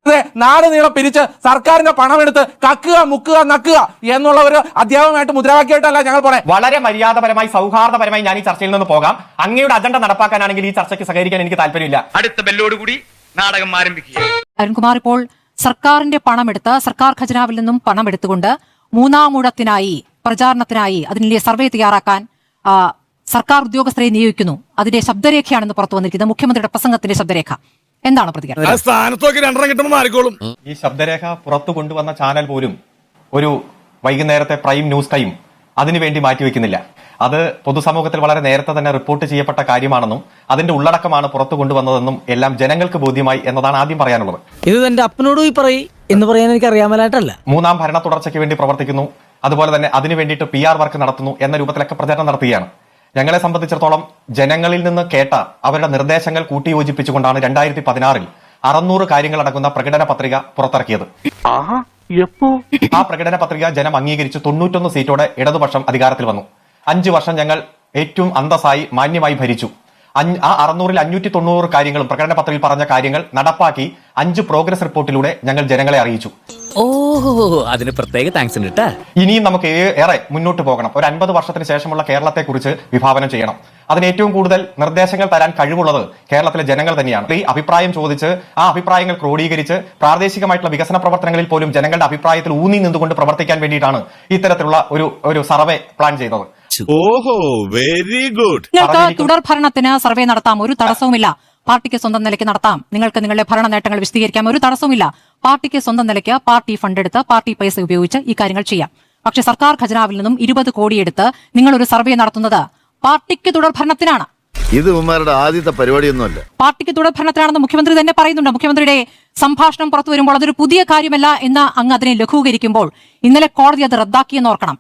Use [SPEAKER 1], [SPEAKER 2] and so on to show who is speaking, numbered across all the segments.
[SPEAKER 1] നാട് നീളം പിരിച്ച് സർക്കാരിന്റെ പണമെടുത്ത് കക്കുക മുക്കുക നക്കുക എന്നുള്ള ഒരു അധ്യാപകമായിട്ട് മുദ്രാവാക്യമായിട്ടല്ല ഞങ്ങൾ പറയാം.
[SPEAKER 2] വളരെ മര്യാദപരമായി സൗഹാർദ്ദപരമായി ഞാൻ ഈ ചർച്ചയിൽ നിന്ന് പോകാം. അങ്ങയുടെ അജണ്ട നടപ്പാക്കാനാണെങ്കിൽ ഈ ചർച്ചയ്ക്ക് സഹകരിക്കാൻ എനിക്ക് താല്പര്യമില്ല.
[SPEAKER 3] അടുത്ത ബെല്ലോടുകൂടി നാടകം ആരംഭിക്കുക.
[SPEAKER 4] അരുൺകുമാർ, ഇപ്പോൾ സർക്കാരിന്റെ പണമെടുത്ത് സർക്കാർ ഖജനാവിൽ നിന്നും പണമെടുത്തുകൊണ്ട് മൂന്നാമൂഴത്തിനായി പ്രചാരണത്തിനായി അതിന്റെ സർവേ തയ്യാറാക്കാൻ സർക്കാർ ഉദ്യോഗസ്ഥരെ നിയോഗിക്കുന്നു. അതിന്റെ ശബ്ദരേഖയാണെന്ന് പുറത്തു വന്നിരിക്കുന്നത്, മുഖ്യമന്ത്രിയുടെ പ്രസംഗത്തിന്റെ ശബ്ദരേഖ. എന്താണ് പ്രതികരണം?
[SPEAKER 2] ഈ ശബ്ദരേഖ പുറത്തു കൊണ്ടുവന്ന ചാനൽ പോലും ഒരു വൈകുന്നേരത്തെ പ്രൈം ന്യൂസ് ടൈം അതിനുവേണ്ടി മാറ്റിവെക്കുന്നില്ല. അത് പൊതുസമൂഹത്തിൽ വളരെ നേരത്തെ തന്നെ റിപ്പോർട്ട് ചെയ്യപ്പെട്ട കാര്യമാണെന്നും അതിന്റെ ഉള്ളടക്കമാണ് പുറത്തു കൊണ്ടുവന്നതെന്നും എല്ലാം ജനങ്ങൾക്ക് ബോധ്യമായി എന്നതാണ് ആദ്യം പറയാനുള്ളത്.
[SPEAKER 5] ഇത് എന്റെ അപ്പനോട് പോയി പറയും എന്ന് പറയാൻ എനിക്ക് അറിയാമലായിട്ടല്ല.
[SPEAKER 2] മൂന്നാം ഭരണ തുടർച്ചയ്ക്ക് വേണ്ടി പ്രവർത്തിക്കുന്നു, അതുപോലെ തന്നെ അതിനു വേണ്ടിയിട്ട് PR വർക്ക് നടത്തുന്നു എന്ന രൂപത്തിലൊക്കെ പ്രചാരണം നടത്തുകയാണ്. ഞങ്ങളെ സംബന്ധിച്ചിടത്തോളം ജനങ്ങളിൽ നിന്ന് കേട്ട അവരുടെ നിർദ്ദേശങ്ങൾ കൂട്ടിയോജിപ്പിച്ചുകൊണ്ടാണ് 2016 600 കാര്യങ്ങൾ അടങ്ങുന്ന പ്രകടന പത്രിക പുറത്തിറക്കിയത്. ആ പ്രകടന പത്രിക ജനം അംഗീകരിച്ച് 91 സീറ്റോടെ ഇടതുപക്ഷം അധികാരത്തിൽ വന്നു. 5 വർഷം ഞങ്ങൾ ഏറ്റവും അന്തസ്സായി മാന്യമായി ഭരിച്ചു. ആ 600ൽ 590 കാര്യങ്ങളും പ്രകടന പത്രികയിൽ പറഞ്ഞ കാര്യങ്ങൾ നടപ്പാക്കി 5 പ്രോഗ്രസ് റിപ്പോർട്ടിലൂടെ ഞങ്ങൾ ജനങ്ങളെ അറിയിച്ചു.
[SPEAKER 5] ഓഹോ, അതിന് പ്രത്യേക താങ്ക്സ് ഉണ്ട്.
[SPEAKER 2] ഇനിയും നമുക്ക് ഏറെ മുന്നോട്ട് പോകണം. ഒരു 50 വർഷത്തിന് ശേഷമുള്ള കേരളത്തെ കുറിച്ച് വിഭാവനം ചെയ്യണം. അതിന് ഏറ്റവും കൂടുതൽ നിർദ്ദേശങ്ങൾ തരാൻ കഴിവുള്ളത് കേരളത്തിലെ ജനങ്ങൾ തന്നെയാണ്. ഈ അഭിപ്രായം ചോദിച്ച് ആ അഭിപ്രായങ്ങൾ ക്രോഡീകരിച്ച് പ്രാദേശികമായിട്ടുള്ള വികസന പ്രവർത്തനങ്ങളിൽ പോലും ജനങ്ങളുടെ അഭിപ്രായത്തിൽ ഊന്നി നിന്നുകൊണ്ട് പ്രവർത്തിക്കാൻ വേണ്ടിയിട്ടാണ് ഇത്തരത്തിലുള്ള ഒരു സർവേ പ്ലാൻ ചെയ്തത്.
[SPEAKER 6] ഓഹോ, വെരി ഗുഡ്.
[SPEAKER 4] നിങ്ങൾക്ക് തുടർ ഭരണത്തിന് സർവേ നടത്താം, ഒരു തടസ്സവുമില്ല. പാർട്ടിക്ക് സ്വന്തം നിലയ്ക്ക് നടത്താം. നിങ്ങൾക്ക് നിങ്ങളുടെ ഭരണ നേട്ടങ്ങൾ വിശദീകരിക്കാം, ഒരു തടസ്സവുമില്ല. പാർട്ടിക്ക് സ്വന്തം നിലയ്ക്ക് പാർട്ടി ഫണ്ട് എടുത്ത് പാർട്ടി പൈസ ഉപയോഗിച്ച് ഈ കാര്യങ്ങൾ ചെയ്യാം. പക്ഷെ സർക്കാർ ഖജനാവിൽ നിന്നും 20 കോടി എടുത്ത് നിങ്ങൾ ഒരു സർവേ നടത്തുന്നത് പാർട്ടിക്ക് തുടർ ഭരണത്തിനാണ്.
[SPEAKER 6] ഇത് ഉമ്മാരുടെ ആദ്യത്തെ പരിപാടിയൊന്നുമല്ല.
[SPEAKER 4] പാർട്ടിക്ക് തുടർ ഭരണത്തിനാണെന്ന് മുഖ്യമന്ത്രി തന്നെ പറയുന്നുണ്ട്. മുഖ്യമന്ത്രിയുടെ സംഭാഷണം പുറത്തു വരുമ്പോൾ അതൊരു പുതിയ കാര്യമല്ല എന്ന് അങ്ങ് അതിനെ ലഘൂകരിക്കുമ്പോൾ ഇന്നലെ കോടതി അത് റദ്ദാക്കിയെന്ന് ഓർക്കണം.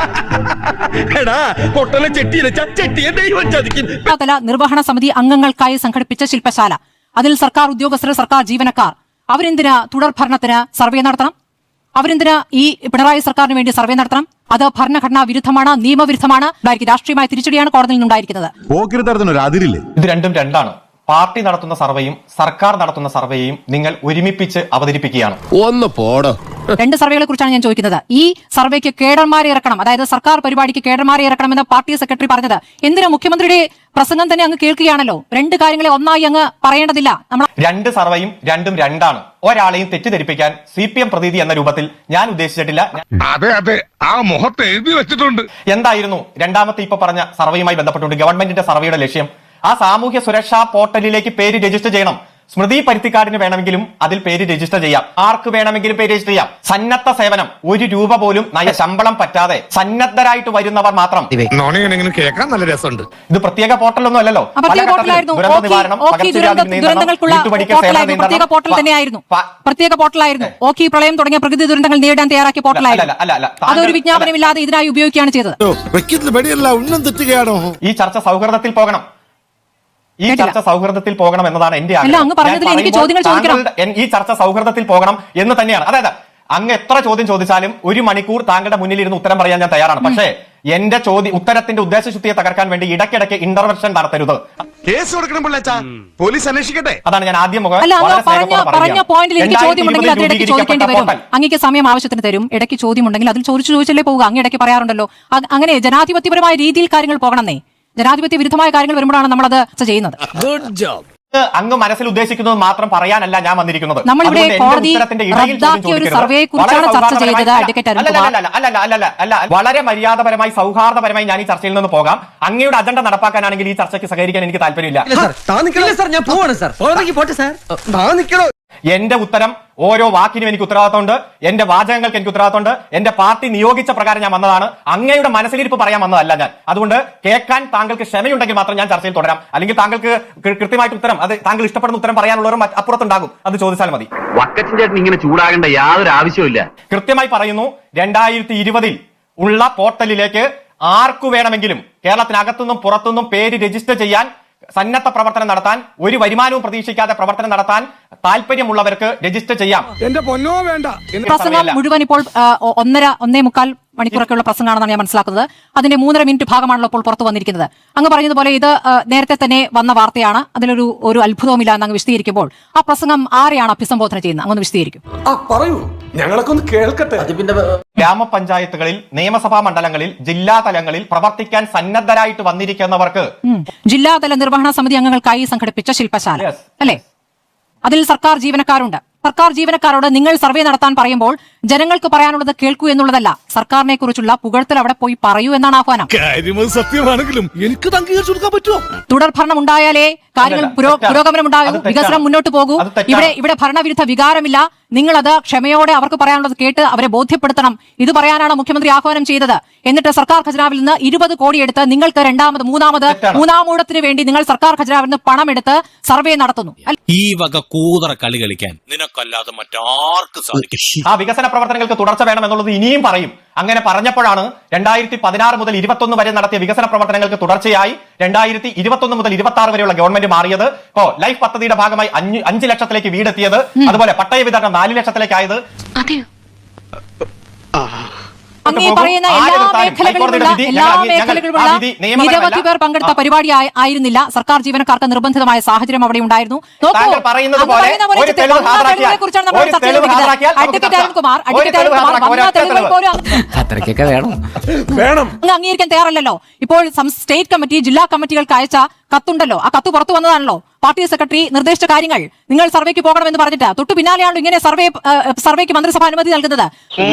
[SPEAKER 4] തല നിർവഹണ സമിതി അംഗങ്ങൾക്കായി സംഘടിപ്പിച്ച ശില്പശാല, അതിൽ സർക്കാർ ഉദ്യോഗസ്ഥർ, സർക്കാർ ജീവനക്കാർ, അവരെന്തിനാ തുടർ ഭരണത്തിന് സർവേ നടത്തണം? അവരെന്തിനാ ഈ പിണറായി സർക്കാരിന് വേണ്ടി സർവേ നടത്തണം? അത് ഭരണഘടനാ വിരുദ്ധമാണ്, നിയമവിരുദ്ധമാണ്. രാഷ്ട്രീയമായ തിരിച്ചടിയാണ് കോടതിയിൽ നിന്നുണ്ടായിരിക്കുന്നത്.
[SPEAKER 2] ഇത് രണ്ടും രണ്ടാണ്. പാർട്ടി നടത്തുന്ന സർവേയും സർക്കാർ നടത്തുന്ന സർവേയും നിങ്ങൾ ഒരുമിപ്പിച്ച് അവതരിപ്പിക്കുകയാണ്.
[SPEAKER 6] ഒന്ന് പോടോ.
[SPEAKER 4] 2 സർവേകളെ കുറിച്ചാണ് ഞാൻ ചോദിക്കുന്നത്. ഈ സർവേക്ക് കേഡർമാരെ ഇറക്കണം, അതായത് സർക്കാർ പരിപാടിക്ക് കേഡർമാരെ ഇറക്കണമെന്ന് പാർട്ടി സെക്രട്ടറി പറഞ്ഞത് എന്തിനാ? മുഖ്യമന്ത്രിയുടെ പ്രസംഗം തന്നെ അങ്ങ് കേൾക്കുകയാണല്ലോ. 2 കാര്യങ്ങളെ ഒന്നായി അങ്ങ് പറയേണ്ടതില്ല. നമ്മൾ 2
[SPEAKER 2] സർവേയും രണ്ടും രണ്ടാണ്. ഒരാളെയും തെറ്റിദ്ധരിപ്പിക്കാൻ CPM പ്രതീതി എന്ന രൂപത്തിൽ ഞാൻ ഉദ്ദേശിച്ചിട്ടില്ല.
[SPEAKER 6] അതെ അതെ, ആ മുഖത്ത് എഴുതി വെച്ചിട്ടുണ്ട്.
[SPEAKER 2] എന്തായിരുന്നു രണ്ടാമത്തെ ഇപ്പൊ പറഞ്ഞ സർവേയുമായി ബന്ധപ്പെട്ടുകൊണ്ട് ഗവൺമെന്റിന്റെ സർവേയുടെ ലക്ഷ്യം? ആ സാമൂഹ്യ സുരക്ഷാ പോർട്ടലിലേക്ക് പേര് രജിസ്റ്റർ ചെയ്യണം. സ്മൃതി പരുത്തിക്കാടിന് വേണമെങ്കിലും അതിൽ പേര് രജിസ്റ്റർ ചെയ്യാം, ആർക്ക് വേണമെങ്കിലും പേര് രജിസ്റ്റർ ചെയ്യാം. സന്നദ്ധ സേവനം, 1 രൂപ പോലും ശമ്പളം പറ്റാതെ സന്നദ്ധരായിട്ട് വരുന്നവർ മാത്രം.
[SPEAKER 6] കേൾക്കാൻ നല്ല രസമുണ്ട്.
[SPEAKER 2] ഇത് പ്രത്യേക പോർട്ടലൊന്നും അല്ലല്ലോ.
[SPEAKER 4] പ്രത്യേക പോർട്ടലായിരുന്നു. ഓഖി പ്രളയം തുടങ്ങിയ പ്രകൃതി ദുരന്തങ്ങൾ നേരിടാൻ തയ്യാറാക്കിയ പോർട്ടലായിരുന്നു. അതൊരു വിജ്ഞാപനമില്ലാതെ ഇതിനായി ഉപയോഗിക്കുകയാണ് ചെയ്തത്.
[SPEAKER 2] ഈ ചർച്ച സൗഹൃദത്തിൽ പോകണം. ഈ ചർച്ച സൗഹൃദത്തിൽ പോകണം എന്നതാണ് എന്റെ ആഗ്രഹം. ഈ ചർച്ച സൗഹൃദത്തിൽ പോകണം എന്ന് തന്നെയാണ്. അതായത് അങ്ങ് എത്ര ചോദ്യം ചോദിച്ചാലും 1 മണിക്കൂർ താങ്കളുടെ മുന്നിലിരുന്ന് ഉത്തരം പറയാൻ ഞാൻ തയ്യാറാണ്. പക്ഷേ എന്റെ ഉത്തരത്തിന്റെ ഉദ്ദേശശുദ്ധിയെ തകർക്കാൻ വേണ്ടി ഇടയ്ക്കിടയ്ക്ക് ഇന്റർവെൻഷൻ നടത്തരുത്.
[SPEAKER 6] കേസ് കൊടുക്കണം പിള്ളേച്ചാ, പോലീസ് അന്വേഷിക്കട്ടെ.
[SPEAKER 2] അതാണ് ഞാൻ ആദ്യം
[SPEAKER 4] പറഞ്ഞ പോയിന്റിൽ എനിക്ക് ചോദ്യമുണ്ടെങ്കിൽ അത് ഇടയ്ക്ക് ചോദിക്കേണ്ടി വരും. അങ്ങേക്ക് സമയം ആവശ്യത്തിന് തരും. ഇടയ്ക്ക് ചോദ്യമുണ്ടെങ്കിൽ അതിൽ ചോദിച്ചല്ലേ പോവുക. അങ്ങ് ഇടയ്ക്ക് പറയാറുണ്ടല്ലോ. അങ്ങനെ ജനാധിപത്യപരമായ രീതിയിൽ കാര്യങ്ങൾ പോകണമെന്നേ. ജനാധിപത്യ വിരുദ്ധമായ കാര്യങ്ങൾ വരുമ്പോഴാണ് നമ്മൾ അത് ചെയ്യുന്നത്.
[SPEAKER 5] Good job.
[SPEAKER 2] അങ്ങ് മനസ്സിൽ ഉദ്ദേശിക്കുന്നത് മാത്രം പറയാനല്ല ഞാൻ വന്നിരിക്കുന്നത്.
[SPEAKER 4] നമ്മളിവിടെ കോടതി റദ്ദാക്കിയ ഒരു സർവേയെക്കുറിച്ചാണ് ചർച്ച ചെയ്തത്.
[SPEAKER 2] അല്ല, വളരെ മര്യാദപരമായി സൗഹാർദ്ദപരമായി ഞാൻ ഈ ചർച്ചയിൽ നിന്ന് പോകാം. അങ്ങയുടെ അജണ്ട നടപ്പാക്കാനാണെങ്കിൽ ഈ ചർച്ചയ്ക്ക് സഹകരിക്കാൻ എനിക്ക് താല്പര്യമില്ല. എന്റെ ഉത്തരം ഓരോ വാക്കിനും എനിക്ക് ഉത്തരവാദിത്തമുണ്ട്. എന്റെ വാചകങ്ങൾക്ക് എനിക്ക് ഉത്തരവാദിത്തമുണ്ട്. എന്റെ പാർട്ടി നിയോഗിച്ച പ്രകാരം ഞാൻ വന്നതാണ്. അങ്ങയുടെ മനസ്സിലിരിപ്പ് പറയാൻ വന്നതല്ല ഞാൻ. അതുകൊണ്ട് കേൾക്കാൻ താങ്കൾക്ക് ക്ഷമയുണ്ടെങ്കിൽ മാത്രം ഞാൻ ചർച്ചയിൽ തുടരാം. അല്ലെങ്കിൽ താങ്കൾക്ക് കൃത്യമായിട്ട് ഉത്തരം, അത് താങ്കൾ ഇഷ്ടപ്പെടുന്ന ഉത്തരം പറയാനുള്ളവരും അപ്പുറത്തുണ്ടാകും. അത് ചോദിച്ചാൽ മതി.
[SPEAKER 3] വക്കച്ചൻ ഇങ്ങനെ ചൂടാകേണ്ട യാതൊരു ആവശ്യമില്ല.
[SPEAKER 2] കൃത്യമായി പറയുന്നു, 2020 ഉള്ള പോർട്ടലിലേക്ക് ആർക്കു വേണമെങ്കിലും കേരളത്തിനകത്തുനിന്നും പുറത്തുനിന്നും പേര് രജിസ്റ്റർ ചെയ്യാൻ സന്നദ്ധ പ്രവർത്തനം നടത്താൻ, ഒരു വരുമാനവും പ്രതീക്ഷിക്കാതെ പ്രവർത്തനം നടത്താൻ താല്പര്യമുള്ളവർക്ക് രജിസ്റ്റർ ചെയ്യാം.
[SPEAKER 6] എന്റെ പൊന്നോ വേണ്ട.
[SPEAKER 4] പ്രസംഗം മുഴുവൻ ഇപ്പോൾ 1.5 മണിക്കൂറൊക്കെയുള്ള പ്രസംഗമാണെന്നാണ് ഞാൻ മനസ്സിലാക്കുന്നത്. അതിന്റെ 3.5 മിനിറ്റ് ഭാഗമാണല്ലോ ഇപ്പോൾ പുറത്തു വന്നിരിക്കുന്നത്. അങ്ങ് പറഞ്ഞതുപോലെ ഇത് നേരത്തെ തന്നെ വന്ന വാർത്തയാണ്, അതിലൊരു അത്ഭുതവുമില്ല എന്ന് അങ്ങ് വിശദീകരിക്കുമ്പോൾ ആ പ്രസംഗം ആരെയാണ് അഭിസംബോധന ചെയ്യുന്നത്? അങ്ങ് വിശദീകരിക്കും.
[SPEAKER 7] പറയൂ, ഞങ്ങളൊക്കെ ഒന്ന് കേൾക്കട്ടെ.
[SPEAKER 2] ഗ്രാമപഞ്ചായത്തുകളിൽ, നിയമസഭാ മണ്ഡലങ്ങളിൽ, ജില്ലാ തലങ്ങളിൽ പ്രവർത്തിക്കാൻ സന്നദ്ധരായിട്ട് വന്നിരിക്കുന്നവർക്ക്
[SPEAKER 4] ജില്ലാതല നിർവഹണ സമിതി അംഗങ്ങൾക്കായി സംഘടിപ്പിച്ച ശില്പശാല അല്ലെ, അതിൽ സർക്കാർ ജീവനക്കാരുണ്ട്. സർക്കാർ ജീവനക്കാരോട് നിങ്ങൾ സർവേ നടത്താൻ പറയുമ്പോൾ ജനങ്ങൾക്ക് പറയാനുള്ളത് കേൾക്കൂ എന്നുള്ളതല്ല, സർക്കാരിനെ കുറിച്ചുള്ള പുകഴ്ത്തൽ അവിടെ പോയി പറയൂ എന്നാണ് ആഹ്വാനം.
[SPEAKER 6] സത്യമാണെങ്കിലും എനിക്ക് അംഗീകരിച്ചു കൊടുക്കാൻ പറ്റുമോ?
[SPEAKER 4] തുടർഭരണം ഉണ്ടായാലേ കാര്യങ്ങൾ പുരോഗമനം ഉണ്ടാകൂ, വികസനം മുന്നോട്ട് പോകൂ. ഇവിടെ ഭരണവിരുദ്ധ വികാരമില്ല. നിങ്ങളത് ക്ഷമയോടെ അവർക്ക് പറയാനുള്ളത് കേട്ട് അവരെ ബോധ്യപ്പെടുത്തണം. ഇത് പറയാനാണ് മുഖ്യമന്ത്രി ആഹ്വാനം ചെയ്തത്. എന്നിട്ട് സർക്കാർ ഖജനാവിൽ നിന്ന് 20 കോടി എടുത്ത് നിങ്ങൾക്ക് മൂന്നാം ഊഴത്തിന് വേണ്ടി നിങ്ങൾ സർക്കാർ ഖജനാവിൽ നിന്ന് പണമെടുത്ത് സർവേ നടത്തുന്നു.
[SPEAKER 5] ഈ വക കൂതറ കളി കളിക്കാൻ നിനക്കല്ലാതെ മറ്റാർക്കും സാധിക്കും.
[SPEAKER 2] ആ വികസന പ്രവർത്തനങ്ങൾക്ക് തുടർച്ച വേണം എന്നുള്ളത് ഇനിയും പറയും. അങ്ങനെ പറഞ്ഞപ്പോഴാണ് 2016 മുതൽ 21 വരെ നടത്തിയ വികസന പ്രവർത്തനങ്ങൾക്ക് തുടർച്ചയായി 2021 മുതൽ 26 വരെയുള്ള ഗവൺമെന്റ് മാറിയത്. ഇപ്പോ ലൈഫ് പദ്ധതിയുടെ ഭാഗമായി 5 ലക്ഷത്തിലേക്ക് വീടെത്തിയത്, അതുപോലെ പട്ടയ വിതരണം 4 ലക്ഷത്തിലേക്കായത്.
[SPEAKER 4] അങ്ങേ പറയുന്ന എല്ലാ മേഖലകളിലുള്ള നിരവധി പേർ പങ്കെടുത്ത പരിപാടി ആയിരുന്നില്ല. സർക്കാർ ജീവനക്കാർക്ക് നിർബന്ധിതമായ സാഹചര്യം അവിടെ ഉണ്ടായിരുന്നു. അംഗീകരിക്കാൻ തയ്യാറല്ലല്ലോ. ഇപ്പോൾ സ്റ്റേറ്റ് കമ്മിറ്റി, ജില്ലാ കമ്മിറ്റികൾക്ക് അയച്ച കത്തുണ്ടല്ലോ, ആ കത്ത് പുറത്തു വന്നതാണല്ലോ. പാർട്ടി സെക്രട്ടറി നിർദ്ദേശിച്ച കാര്യങ്ങൾ നിങ്ങൾ സർവേക്ക് പോകണമെന്ന് പറഞ്ഞിട്ട് തൊട്ടു പിന്നാലെയാണല്ലോ ഇങ്ങനെ സർവേക്ക് മന്ത്രിസഭ അനുമതി നൽകുന്നത്.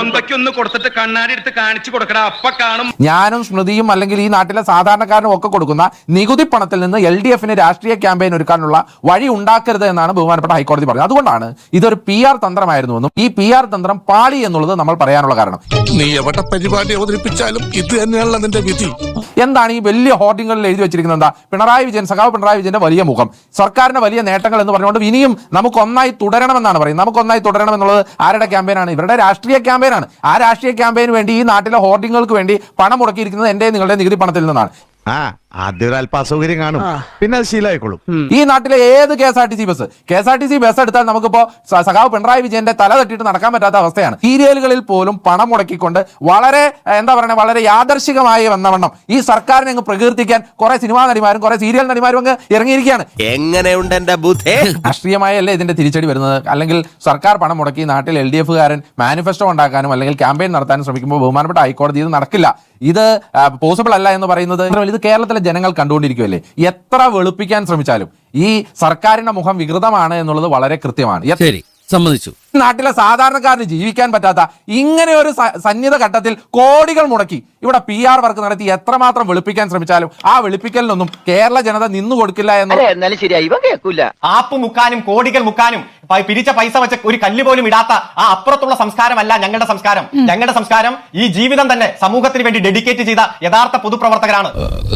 [SPEAKER 1] ഞാനും സ്മൃതിയും അല്ലെങ്കിൽ ഈ നാട്ടിലെ സാധാരണക്കാരനും ഒക്കെ കൊടുക്കുന്ന നികുതി പണത്തിൽ നിന്ന് LDFന് രാഷ്ട്രീയ ക്യാമ്പയിൻ ഒരുക്കാനുള്ള വഴി ഉണ്ടാക്കരുത് എന്നാണ് ബഹുമാനപ്പെട്ട ഹൈക്കോടതി പറഞ്ഞത്. അതുകൊണ്ടാണ് ഇതൊരു PR തന്ത്രമായിരുന്നുവെന്നും ഈ PR തന്ത്രം പാളി എന്നുള്ളത് നമ്മൾ പറയാനുള്ള കാരണം.
[SPEAKER 6] നീ എവിടെ പരിപാടി അവതരിപ്പിച്ചാലും ഇത് തന്നെയാണല്ലോ നിന്റെ വിധി.
[SPEAKER 1] എന്താണ് ഈ വലിയ ഹോർഡിങ്ങളിൽ എഴുതി വെച്ചിരിക്കുന്നത്? എന്താ? സഖാവ് പിണറായി വിജയന്റെ വലിയ മുഖം, സർക്കാരിന്റെ വലിയ നേട്ടങ്ങൾ എന്ന് പറഞ്ഞുകൊണ്ട് ഇനിയും നമുക്കൊന്നായി തുടരണമെന്നാണ് പറയുന്നത്. നമുക്കൊന്നായി തുടരണം എന്നുള്ളത് ആരുടെ ക്യാമ്പയിനാണ്? ഇവരുടെ രാഷ്ട്രീയ ക്യാമ്പയിനാണ്. ആ രാഷ്ട്രീയ ക്യാമ്പയിന് വേണ്ടി ഈ നാട്ടിലെ ഹോർഡിങ്ങൾക്ക് വേണ്ടി പണം മുടക്കിയിരിക്കുന്നത് എന്റെ നിങ്ങളുടെ നികുതി പണത്തിൽ നിന്നാണ്.
[SPEAKER 6] ആദ്യം ഒരു അല്പ അസൗകര്യം കാണും, പിന്നെ അത് ശീലമായിക്കോളും.
[SPEAKER 1] ഈ നാട്ടിലെ ഏത് KSRTC ബസ് എടുത്താൽ നമുക്കിപ്പോ സഖാവ് പിണറായി വിജയന്റെ തല തട്ടിയിട്ട് നടക്കാൻ പറ്റാത്ത അവസ്ഥയാണ്. സീരിയലുകളിൽ പോലും പണം മുടക്കിക്കൊണ്ട് വളരെ വളരെ യാദർശികമായി വന്നവണ്ണം ഈ സർക്കാരിനെ അങ്ങ് പ്രകീർത്തിക്കാൻ കുറെ സിനിമാ നടിമാരും കുറെ സീരിയൽ നടിമാരും അങ്ങ് ഇറങ്ങിയിരിക്കുകയാണ്.
[SPEAKER 5] എങ്ങനെയുണ്ട് എന്റെ ബുദ്ധി?
[SPEAKER 1] രാഷ്ട്രീയമായല്ലേ ഇതിന്റെ തിരിച്ചടി വരുന്നത്? അല്ലെങ്കിൽ സർക്കാർ പണം മുടക്കി നാട്ടിൽ LDFകാരൻ മാനിഫെസ്റ്റോ ഉണ്ടാക്കാനും അല്ലെങ്കിൽ ക്യാമ്പയിൻ നടത്താനും ശ്രമിക്കുമ്പോൾ ബഹുമാനപ്പെട്ട ഹൈക്കോടതി ഇത് നടക്കില്ല, ഇത് പോസിബിൾ അല്ല എന്ന് പറയുന്നത് ഇത് കേരളത്തിലെ ജനങ്ങൾ കണ്ടുകൊണ്ടിരിക്കുകയല്ലേ. എത്ര വെളുപ്പിക്കാൻ ശ്രമിച്ചാലും ഈ സർക്കാരിന്റെ മുഖം വികൃതമാണ് എന്നുള്ളത് വളരെ കൃത്യമാണ്.
[SPEAKER 5] ശരി, സമ്മതിച്ചു.
[SPEAKER 1] നാട്ടിലെ സാധാരണക്കാരന് ജീവിക്കാൻ പറ്റാത്ത ഇങ്ങനെ ഒരു സന്നിധ ഘട്ടത്തിൽ കോടികൾ മുടക്കി ഇവിടെ PR വർക്ക് നടത്തി എത്രമാത്രം വെളുപ്പിക്കാൻ ശ്രമിച്ചാലും ആ വെളുപ്പിക്കലിനൊന്നും കേരള ജനത നിന്നു കൊടുക്കില്ല എന്ന്.
[SPEAKER 2] ആപ്പ് മുക്കാനും കോടികൾ മുക്കാനും പിരിച്ച പൈസ വെച്ച് ഒരു കല്ല് പോലും ഇടാത്ത ആ അപ്പുറത്തുള്ള സംസ്കാരമല്ല ഞങ്ങളുടെ സംസ്കാരം. ഞങ്ങളുടെ സംസ്കാരം ഈ ജീവിതം തന്നെ സമൂഹത്തിന് വേണ്ടി ഡെഡിക്കേറ്റ് ചെയ്ത യഥാർത്ഥ പൊതുപ്രവർത്തകരാണ്.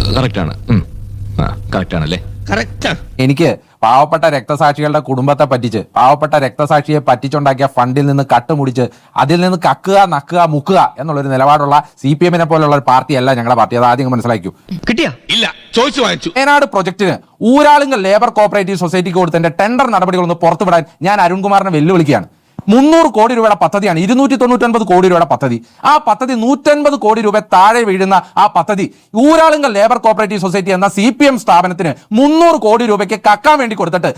[SPEAKER 1] എനിക്ക് പാവപ്പെട്ട രക്തസാക്ഷികളുടെ കുടുംബത്തെ പറ്റിച്ച് പാവപ്പെട്ട രക്തസാക്ഷിയെ പറ്റിച്ചുണ്ടാക്കിയ ഫണ്ടിൽ നിന്ന് കട്ടുമുടിച്ച് അതിൽ നിന്ന് കക്കുക, നക്കുക, മുക്കുക എന്നുള്ളൊരു നിലപാടുള്ള CPM പോലുള്ള ഒരു പാർട്ടിയല്ല ഞങ്ങളുടെ പാർട്ടി. അത് ആദ്യം മനസ്സിലാക്കൂ.
[SPEAKER 6] കിട്ടിയാ ഇല്ല ചോദിച്ചു വാങ്ങിച്ചു.
[SPEAKER 1] വയനാട് പ്രൊജക്ടിന് ഊരാളുങ്കൽ ലേബർ കോഓപ്പറേറ്റീവ് സൊസൈറ്റിക്ക് കൊടുത്തതിന്റെ ടെൻഡർ നടപടികളൊന്ന് പുറത്തുവിടാൻ ഞാൻ അരുൺകുമാറിനെ വെല്ലുവിളിക്കുകയാണ്. 300 കോടി രൂപയുടെ പദ്ധതിയാണ്, 299 കോടി രൂപയുടെ പദ്ധതി. ആ പദ്ധതി 150 കോടി രൂപ താഴെ വീഴുന്ന ആ പദ്ധതി ഊരാളുങ്കൽ ലേബർ കോഓപ്പറേറ്റീവ് സൊസൈറ്റി എന്ന CPM സ്ഥാപനത്തിന് 300 കോടി രൂപയ്ക്ക് കക്കാൻ വേണ്ടി കൊടുത്തിട്ട്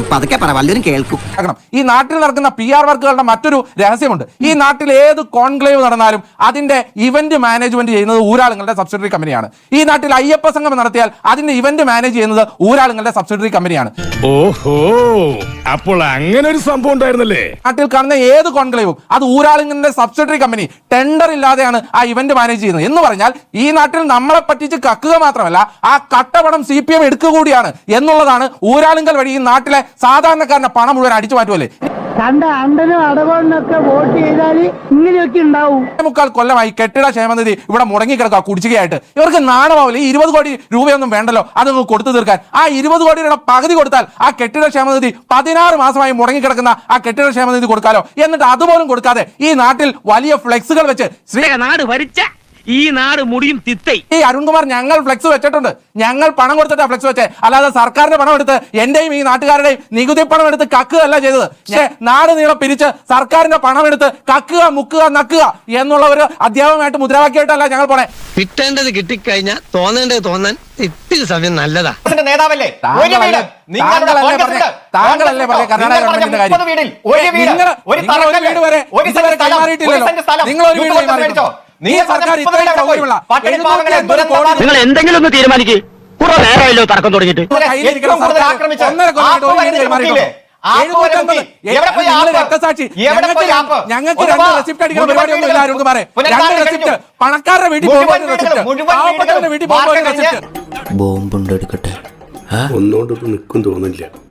[SPEAKER 1] ഈ നാട്ടിൽ നടക്കുന്ന PR വർക്കുകളുടെ മറ്റൊരു രഹസ്യമുണ്ട്. ഈ നാട്ടിൽ ഏത് കോൺക്ലേവ് നടന്നാലും അതിന്റെ ഇവന്റ് മാനേജ്മെന്റ് ചെയ്യുന്നത് ഊരാളുങ്ങളുടെ സബ്സിഡറി കമ്പനിയാണ്. ഈ നാട്ടിൽ അയ്യപ്പ സംഗമം നടത്തിയാൽ അതിന്റെ ഇവന്റ് മാനേജ് ചെയ്യുന്നത് ഊരാളുങ്ങളുടെ സബ്സിഡറി കമ്പനിയാണ്.
[SPEAKER 6] ഓഹോ, അപ്പോൾ അങ്ങനെ ഒരു സംഭവം ഉണ്ടായിരുന്നല്ലേ?
[SPEAKER 1] നാട്ടിൽ കാണുന്ന ഏത് കോൺക്ലേവും അത് ഊരാളുങ്കലിന്റെ സബ്സിഡറി കമ്പനി ടെൻഡർ ഇല്ലാതെയാണ് ആ ഇവന്റ് മാനേജ് ചെയ്യുന്നത്. എന്ന് പറഞ്ഞാൽ ഈ നാട്ടിൽ നമ്മളെ പറ്റിച്ച് കക്കുക മാത്രമല്ല ആ കട്ടപണം CPM എടുക്കുക കൂടിയാണ് എന്നുള്ളതാണ്. ഊരാളുങ്കൽ വഴി ഈ നാട്ടിലെ സാധാരണക്കാരന്റെ പണം മുഴുവൻ അടിച്ചു മാറ്റുമല്ലേ.
[SPEAKER 8] കണ്ട അണ്ടനും അടവണ്ണൊക്കെ വോട്ട് ചെയ്താൽ ഇങ്ങനെയൊക്കെ ഉണ്ടാവും.
[SPEAKER 1] 3 കൊല്ലമായി കെട്ടിട ക്ഷേമനിധി ഇവിടെ മുടങ്ങിക്കിടക്കുക കുടിശ്ശികയായിട്ട്. ഇവർക്ക് നാണമാവില്ല. ഈ 20 കോടി രൂപയൊന്നും വേണ്ടല്ലോ അതൊന്ന് കൊടുത്തു തീർക്കാൻ. ആ 20 കോടി രൂപയുടെ പകുതി കൊടുത്താൽ ആ കെട്ടിട ക്ഷേമനിധി 16 മാസമായി മുടങ്ങിക്കിടക്കുന്ന ആ കെട്ടിട ക്ഷേമനിധി കൊടുക്കാലോ. എന്നിട്ട് അതുപോലും കൊടുക്കാതെ ഈ നാട്ടിൽ വലിയ ഫ്ലെക്സുകൾ വെച്ച്
[SPEAKER 3] നാട് ഭരിച്ച ഈ നാട് മുടിയും തിത്തൈ.
[SPEAKER 1] ഈ അരുൺകുമാർ ഞങ്ങൾ ഫ്ലെക്സ് വെച്ചിട്ടുണ്ട്, ഞങ്ങൾ പണം കൊടുത്തിട്ടാ ഫ്ലെക്സ് വെച്ചേ, അല്ലാതെ സർക്കാരിന്റെ പണം എടുത്ത് എന്റെയും ഈ നാട്ടുകാരുടെയും നികുതി പണം എടുത്ത് കക്കുകയല്ല ചെയ്തത്. പക്ഷേ നാട് നീളം പിരിച്ച് സർക്കാരിന്റെ പണം എടുത്ത് കക്കുക, മുക്കുക, നക്കുക എന്നുള്ള ഒരു അധ്യാപകമായിട്ട് മുദ്രാവാക്യമായിട്ടല്ല ഞങ്ങൾ പോണേ.
[SPEAKER 9] കിട്ടേണ്ടത് കിട്ടിക്കഴിഞ്ഞാൽ തോന്നേണ്ടത് തോന്നാൻ ഇത്തിരി സമയം നല്ലതാ.
[SPEAKER 2] നേതാവല്ലേ
[SPEAKER 1] താങ്കളല്ലേ പറഞ്ഞ കർണാടക ഗവൺമെന്റിന്റെ കാര്യം? നിങ്ങൾ ഒരു വീട് വരെ ഇതുവരെ കൈമാറിയിട്ടില്ലല്ലോ. നിങ്ങൾ ഒരു വീട് കൈമാറിയിട്ടോ? ഈ സർക്കാർ ഇത്രയും സൗകര്യമുള്ള 750 കോടി
[SPEAKER 3] നിങ്ങൾ എന്തെങ്കിലും ഒന്ന് തീരുമാനിക്ക്. കുറെ നേരമല്ലോ തർക്കം തുടങ്ങിയിട്ട്.
[SPEAKER 1] കയ്യിലിരിക്കുന്ന സർക്കാർ 1.5 കൊല്ലമായിട്ട് ഒരു വീട് കൈമാറിയിട്ടോ? 750. നിങ്ങൾ രക്തസാക്ഷി. ഞങ്ങൾക്ക് 2 റെസിപ്റ്റ് അടിക്കുന്ന പരിപാടിയൊന്നുമില്ല അരുൺകുമാറെ. 2 റെസിപ്റ്റ്, പണക്കാരുടെ വീട്ടിൽ പോകുമ്പോൾ ഒരു റെസിപ്റ്റ്, പാവപ്പെട്ടവരുടെ വീട്ടിൽ പോകുമ്പോൾ ഒരു റെസിപ്റ്റ്.
[SPEAKER 9] ബോംബുണ്ട് എടുക്കട്ടെ.
[SPEAKER 6] ഒന്നുകൊണ്ട് നിൽക്കും തോന്നില്ല.